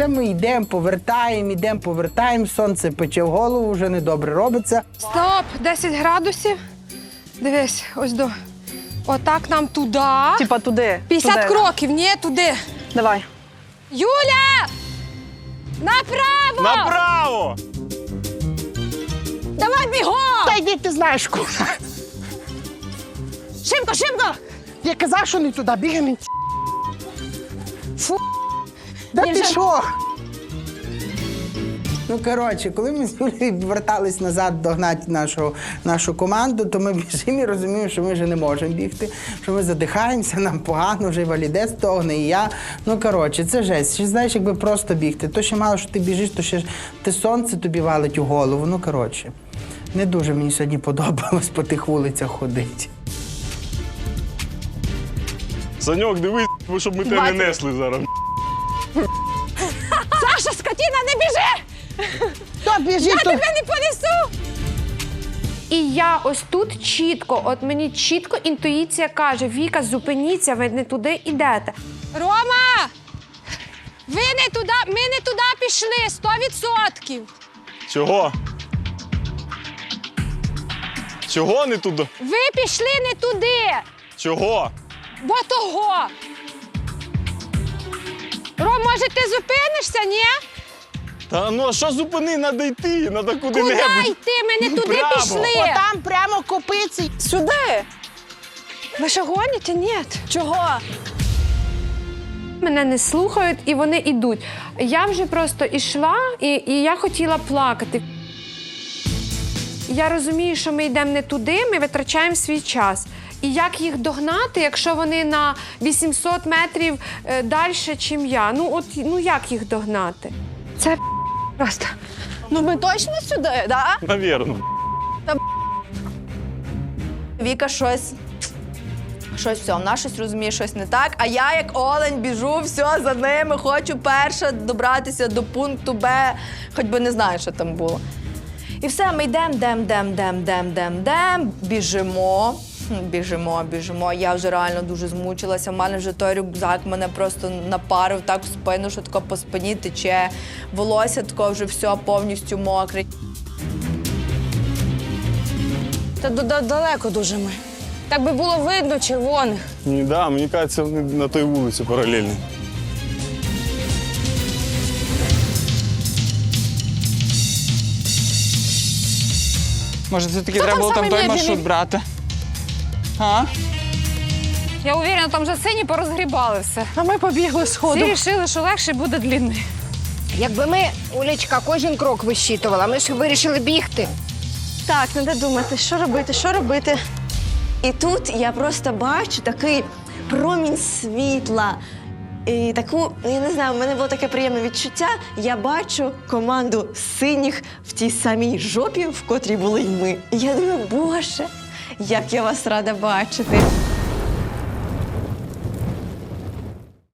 це ми йдемо, повертаємо, сонце пече в голову, вже недобре робиться. Стоп, 10 градусів. Дивись, ось до. Отак нам туди. Типа туди. 50 туди, кроків, ні, туди. Давай. Юля! Направо! Направо! Давай бігом! Та йди, ти знаєш куди. Шимко! Я казав, що не туди, бігаємо. Фу, да ти що? Ну, коротше, коли ми з Юлією вертались назад догнати нашу команду, то ми біжимо і розуміємо, що ми вже не можемо бігти, що ми задихаємося, нам погано, вже валіде стогне, і я. Ну, коротше, це жесть. Ще, знаєш, якби просто бігти. То ще мало, що ти біжиш, то ще те сонце тобі валить у голову. Ну, коротше, не дуже мені сьогодні подобалось по тих вулицях ходити. Саньок, дивись, щоб ми тебе не несли зараз. Саша, скотина, не біжи! То біжи, Я то... тебе не понесу! І я ось тут чітко, от мені чітко інтуїція каже: Віка, зупиніться, ви не туди йдете. Рома! Ви не туди, ми не туди пішли, 100%! Чого? Чого не туди? Ви пішли не туди! Чого? Бо того! Ром, може ти зупинишся, ні? Та ну а що зупини, треба йти, треба Куди куди-небудь. йти? Ми не туди Право. пішли! Отам прямо копиці. Сюди. Ви що гоніте? Ні. Чого? Мене не слухають і вони йдуть. Я вже просто йшла і я хотіла плакати. Я розумію, що ми йдемо не туди, ми витрачаємо свій час. І як їх догнати, якщо вони на 800 метрів далі, ніж я? Ну як їх догнати? Це просто. Ну ми точно сюди, да? Навірно. Віка щось все, вона щось розуміє, щось не так. А я, як олень, біжу, все, за ними, хочу перша добратися до пункту Б, хоч би не знаю, що там було. І все, ми йдемо, біжимо. Я вже реально дуже змучилася. У мене вже той рюкзак мене просто напарив так в спину, що тако по спині тече. Волосся тако вже все повністю мокре. Та далеко дуже ми. Так би було видно червоних. Ні, да, мені кажеться, вони на той вулиці паралельно. Може, все-таки треба було там той маршрут брати? А? Я уверена, там вже сині порозгрібали все. А ми побігли сходу. Всі вирішили, що легше буде длинний. Якби ми, Олечка, кожен крок вищитувала, ми ж вирішили бігти. Так, треба думати, що робити. І тут я просто бачу такий промінь світла. І таку, я не знаю, в мене було таке приємне відчуття. Я бачу команду синіх в тій самій жопі, в котрій були й ми. І я думаю, Боже, як я вас рада бачити.